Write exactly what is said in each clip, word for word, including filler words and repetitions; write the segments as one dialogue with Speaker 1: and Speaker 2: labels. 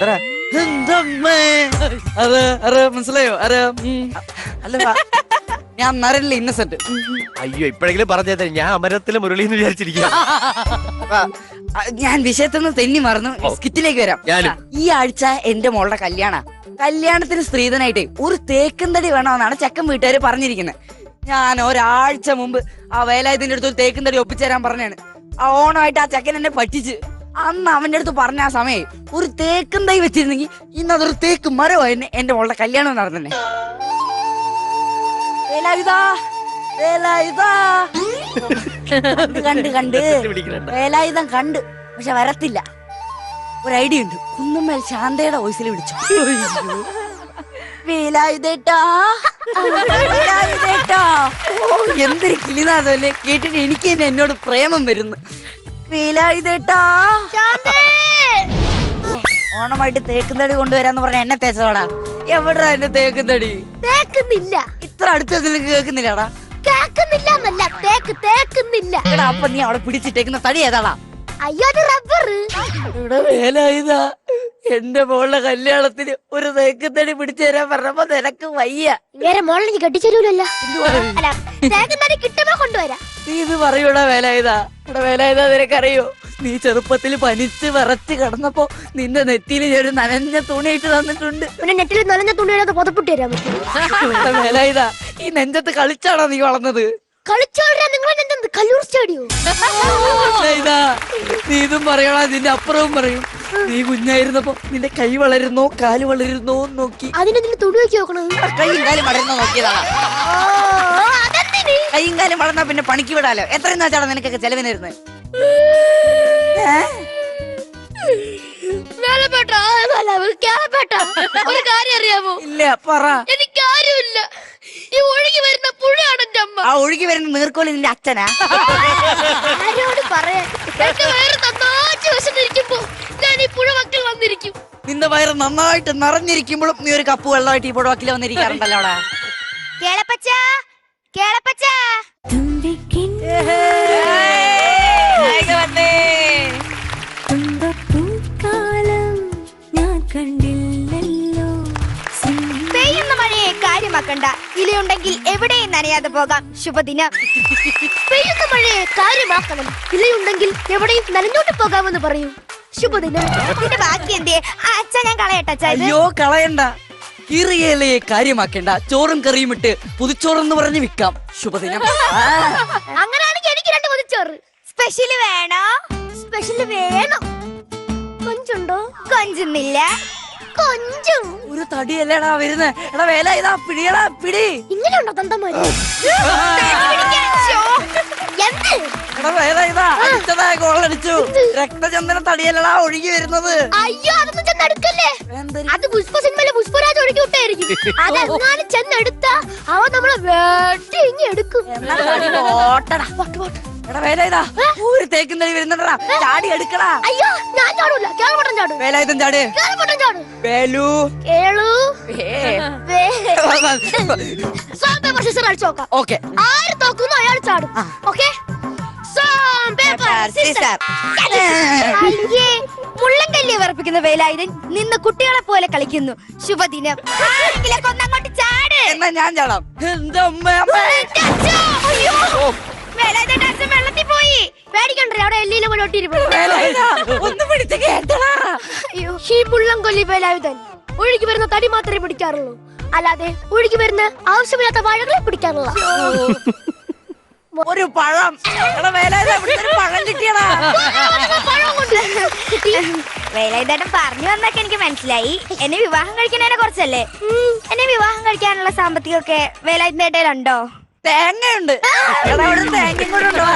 Speaker 1: മനസ്സിലായോ? അല്ല ഞാൻ നരനില്ല, ഇന്നസെന്റ്.
Speaker 2: അയ്യോ, ഇപ്പഴെങ്കിലും പറഞ്ഞത്. ഞാൻ അമരത്തിലെ മുരളി എന്ന് വിചാരിച്ചിരിക്കുക.
Speaker 1: ഞാൻ വിഷയത്തിൽ നിന്ന് തെന്നി മറന്നു. സ്കിറ്റിലേക്ക് വരാം. ഈ ആഴ്ച എന്റെ മോളുടെ കല്യാണ കല്യാണത്തിന് സ്ത്രീധനായിട്ട് ഒരു തേക്കുംതടി വേണമെന്നാണ് ചെക്കൻ വീട്ടുകാര് പറഞ്ഞിരിക്കുന്നത്. ഞാൻ ഒരാഴ്ച മുമ്പ് ആ വേലായുധന്റെ അടുത്ത് ഒരു തേക്കുംതടി ഒപ്പിച്ചേരാൻ പറഞ്ഞാണ്. ആ ഓണമായിട്ട് ആ ചെക്കൻ എന്നെ പറ്റിച്ച്. അന്ന് അവന്റെ അടുത്ത് പറഞ്ഞ ആ സമയം ഒരു തേക്കും തൈ വെച്ചിരുന്നെങ്കിൽ ഇന്ന് അതൊരു തേക്ക് മരമായിരുന്നു എന്റെ മോളുടെ കല്യാണം നടന്നെ. കണ്ട് കണ്ട് വേലായുധം കണ്ട്, പക്ഷെ വരത്തില്ല. ഒരു ഐഡിയ ഉണ്ട്. കുന്നുമ്മേൽ ശാന്തയുടെ വോയിസിൽ വിളിച്ചു. വേലായുധേട്ടാ, വേലായുധേട്ടാ. ഓ, എന്തൊരു കിളിനാഥല്ലേ കേട്ടിട്ട് എനിക്ക് തന്നെ എന്നോട് പ്രേമം വരുന്നു. വേലായുധേട്ടാ, ഓണമായിട്ട് തേക്കുംതടി കൊണ്ടുവരാന്ന് പറഞ്ഞ എന്നെ തേച്ചോടാ. എവിടാ എന്റെ തേക്കുംതടി?
Speaker 3: തേക്കുന്നില്ല.
Speaker 1: ഇത്ര അടുത്ത് കേൾക്കുന്നില്ലടാ.
Speaker 3: കേക്കുന്നില്ല എന്നല്ല, തേക്ക് തേക്കുന്നില്ല.
Speaker 1: എടാ, അപ്പൊ നീ അവിടെ പിടിച്ചിട്ടേക്കുന്ന തടി ഏതാടാ?
Speaker 3: അയ്യോ, അത് റബ്ബർ.
Speaker 1: ഇവിടെ വേലായുധാ, എന്റെ മോളുടെ കല്യാണത്തിന് ഒരു തേക്കുംതടി പിടിച്ചു തരാൻ പറഞ്ഞപ്പോ നിനക്ക് വയ്യ.
Speaker 3: വേറെ മോളിൽ നീ കെട്ടിച്ചേരൂലല്ലോ. അല്ല, തേക്കുംതടി കിട്ടുമ്പോ കൊണ്ടുവരാം.
Speaker 1: നീ ഇത് പറയൂടാ വേലായുധാ. ഇവിടെ വേലായുധാ, നിനക്കറിയോ, നീ ചെറുപ്പത്തിൽ പനിച്ച് വിറച്ച് കിടന്നപ്പോ നിന്റെ നെറ്റിയിൽ ഒരു നനഞ്ഞ തുണിയിട്ട് തന്നിട്ടുണ്ട്.
Speaker 3: പിന്നെ നെറ്റിൽ നനഞ്ഞ തുണിയുടെ പുതപ്പിട്ട് തരാൻ പറ്റും.
Speaker 1: വേലായുധാ, ഈ നെഞ്ചത്ത് കളിച്ചാണോ നീ വളർന്നത്?
Speaker 3: കളിച്ചോളാ നിങ്ങൾ എന്തെന്ത് കല്ലൂർ സ്റ്റേഡിയോ?
Speaker 1: നീ ഇതും പറയണ, ഇതിന്റെ അപ്പുറവും പറയും. നീ കുഞ്ഞായിരുന്നപ്പോ നിന്റെ കൈ വളരുന്നോ കാല് വളരുന്നോ നോക്കി
Speaker 3: അതിനെന്തിന് തുണി വെച്ച് നോക്കണം.
Speaker 1: കൈയും കാലും വളരുന്നോ നോക്കിയതാണ്. കൈയും കാലും വളർന്നാ പിന്നെ പണിക്ക് വിടാലോ. എത്രയും വെച്ചാണ് നിനക്കൊക്കെ ചെലവിനിരുന്നത്?
Speaker 3: ഒരു കാര്യം അറിയാമോ?
Speaker 1: ഇല്ല, പറ.
Speaker 3: എനിക്കാരുമില്ല. ഈ ഒഴുകി വരുന്ന പുഴയാണ് എന്റെ അമ്മ.
Speaker 1: ആ ഒഴുകി വരുന്ന നീർക്കോലി നിന്റെ അച്ഛനാ?
Speaker 3: ആരോട് പറയാൻ? എന്റെ വയറ് നന്നായിട്ട് വിശന്നിരിക്കുമ്പോ ഞാൻ ഈ പുഴ വക്കിൽ വന്നിരിക്കും.
Speaker 1: നിന്റെ വയറ് നന്നായിട്ട് നിറഞ്ഞിരിക്കുമ്പോഴും നീ ഒരു കപ്പ് വെള്ളമായിട്ട് ഈ പുഴ വക്കിൽ വന്നിരിക്കാറുണ്ടല്ലോ. അവിടെ
Speaker 3: കേളപ്പച്ച, കേളപ്പച്ച. പെയ്യുന്ന മഴയെ കാര്യമാക്കണ്ട, ഇലയുണ്ടെങ്കിൽ എവിടെയും നനയാതെ പോകാം. ശുഭദിനം. പെയ്യുന്ന മഴയെ കാര്യമാക്കണം, ഇലയുണ്ടെങ്കിൽ എവിടെയും നനഞ്ഞോട്ട് പോകാമെന്ന് പറയൂ. ശുഭദിനം. ഇതിന്റെ ബാക്കി എന്തേ? അച്ഛാ, ഞാൻ കളയട്ടെ.
Speaker 1: അയ്യോ, കളയണ്ട. കീറിയലയെ കാര്യമാക്കേണ്ട, ചോറും കറിയും ഇട്ട് പുതുച്ചോറെന്ന് പറഞ്ഞ് വിൽക്കാം. ശുഭദിനം.
Speaker 3: അങ്ങനെയാണെങ്കിൽ എനിക്ക് രണ്ട് പുതുച്ചോറ്. സ്പെഷ്യല് വേണോ? സ്പെഷ്യല് വേണം. കൊഞ്ചുണ്ടോ? കൊഞ്ചുന്നില്ല. കൊഞ്ചും
Speaker 1: ഒരു തടിയല്ലേടാ വരുന്നേ. എടാ വേല, ഇതാ പിടിയടാ, പിടി.
Speaker 3: ഇങ്ങനെയുണ്ടോ തന്തമാര്?
Speaker 1: എടാ വേല, ഇതാ അടിച്ചതാ, ഗോളടിച്ചു. രക്തചന്ദന തടിയല്ലടാ ഒഴുകി വരുന്നത്.
Speaker 3: അയ്യോ, അതൊന്നും ചെന്നെടുക്കല്ലേ. അത് പുഷ്പ സിനിമയിലെ പുഷ്പരാജ് ഒഴുകി വിട്ടായിരിക്കും. അതെങ്ങാനും ചെന്നെടുത്താ അവൻ നമ്മളെ വെട്ടി ഇങ്ങി എടുക്കും.
Speaker 1: ഓട്ടടാ. എടാ വേല, ഇതാ ഒരു തേക്കും തടി വരുന്നുണ്ടടാ, ചാടി എടുക്കടാ.
Speaker 3: അയ്യോ, ഞാൻ ചാടൂല. കേളപട്ടൻ ചാടും.
Speaker 1: വേലായുധം ചാട്.
Speaker 3: കേളപട്ടൻ ചാടും.
Speaker 1: വേലു,
Speaker 3: കേളു, കളിച്ചോക്കാം.
Speaker 1: ഓക്കെ.
Speaker 3: ആര് തോക്കുന്നു അയാൾ ചാടും. ഓക്കെ. മുള്ളൻകല്ലിയെ വിറപ്പിക്കുന്ന വേലായുധൻ നിന്ന് കുട്ടികളെ പോലെ കളിക്കുന്നു. ശുഭദിനം. കൊന്നങ്ങോട്ട് ചാട്.
Speaker 1: എന്നാ ഞാൻ ചാടാം. എന്റെ അമ്മ,
Speaker 3: വേലായുധന്റെ അച്ഛൻ വെള്ളത്തിൽ പോയി. പേടിക്കണ്ടേ, അവിടെ എല്ലിയിലും കൂടെ ഒട്ടിയിരിപ്പുണ്ട്.
Speaker 1: ഒന്ന് പിടിച്ച് കേട്ടടാ.
Speaker 3: ഈ മുള്ളൻകൊല്ലി വേലായുധൻ ഒഴുകി വരുന്ന തടി മാത്രമേ പിടിക്കാറുള്ളൂ, അല്ലാതെ ഒഴുകി വരുന്ന ആവശ്യമില്ലാത്ത വാഴകളെ പിടിക്കാറില്ല.
Speaker 1: ഒരു പഴം. പഴം കിട്ടിയടാ.
Speaker 3: വേലായുധേട്ടൻ പറഞ്ഞു വന്നൊക്കെ എനിക്ക് മനസ്സിലായി. എന്നെ വിവാഹം കഴിക്കുന്നതിനെ കുറിച്ചല്ലേ? എന്നെ വിവാഹം കഴിക്കാനുള്ള സാമ്പത്തികമൊക്കെ വേലായുധേട്ടനുണ്ടോ?
Speaker 1: തേങ്ങയുണ്ട്. തേങ്ങയും കൂടെ ഉണ്ടോ?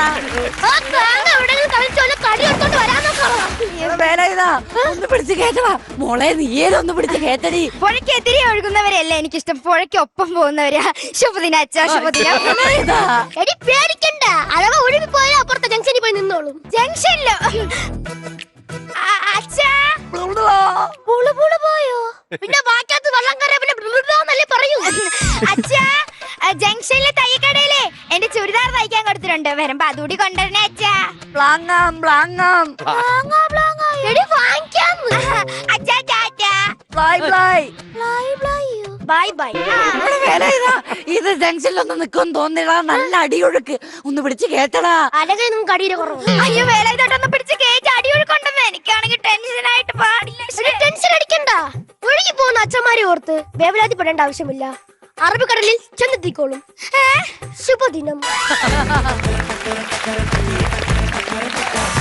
Speaker 1: ഒന്ന് പിടിച്ച് കേട്ടടാ മോളെ, നീയേലൊന്ന് പിടിച്ച് കേട്ടടി.
Speaker 3: പുഴയ്ക്ക് എതിരെ ഒഴുകുന്നവരെയല്ല എനിക്കിഷ്ടം, പുഴയ്ക്ക് ഒപ്പം പോകുന്നവരാ. ശുഭദിന അച്ഛാ, ശുഭദിന. എടി പേടിക്കണ്ട, അളവ് ഒഴുകി പോയാൽ അപ്പുറത്തെ ജംഗ്ഷനിൽ പോയി നിന്നോളും. ജംഗ്ഷനിലോ? അച്ഛാ, പോയോ? പിന്നെ ബാക്കിയകത്ത് വെള്ളം കയറിയ പിന്നെ പറയൂ. അച്ഛാ, ജംഗ്ഷനിലെ തയ്യക്കടയിലെ എന്റെ ചുരിദാർ തയ്ക്കാൻ കൊടുത്തിട്ടുണ്ട്, വരുമ്പോ അതുകൂടി കൊണ്ടുവരണേ അച്ഛാ.
Speaker 1: ബ്ലാങ്ങാം ബ്ലാങ്ങാം
Speaker 3: എടി വാങ്ങിക്കാം. അച്ഛാ tata.
Speaker 1: Bye bye
Speaker 3: bye bye.
Speaker 1: ഇത് ജംഗ്ഷനിലൊന്ന് നിൽക്കും തോന്നില്ല. നല്ല അടിയൊഴുക്ക് ഒന്ന് പിടിച്ച് കേട്ടടാ.
Speaker 3: അല്ലെങ്കിൽ നമുക്ക് അടിയുടെ കുറവ്.
Speaker 4: അയ്യോ വേലായുധേട്ടൊന്ന് പിടിച്ച് കേറ്റി അടിയൊഴുക്കൊണ്ടെന്ന്. എനിക്കാണെങ്കിൽ ടെൻഷനായിട്ട് പാടില്ല.
Speaker 3: ടെൻഷൻ അടിക്കണ്ട. ഒഴുകി പോകുന്ന അച്ഛന്മാരെ ഓർത്ത് വേവലാതിപ്പെടേണ്ട ആവശ്യമില്ല. അറബിക്കടലിൽ ചെന്നെത്തിക്കോളും. ശുഭദിനം.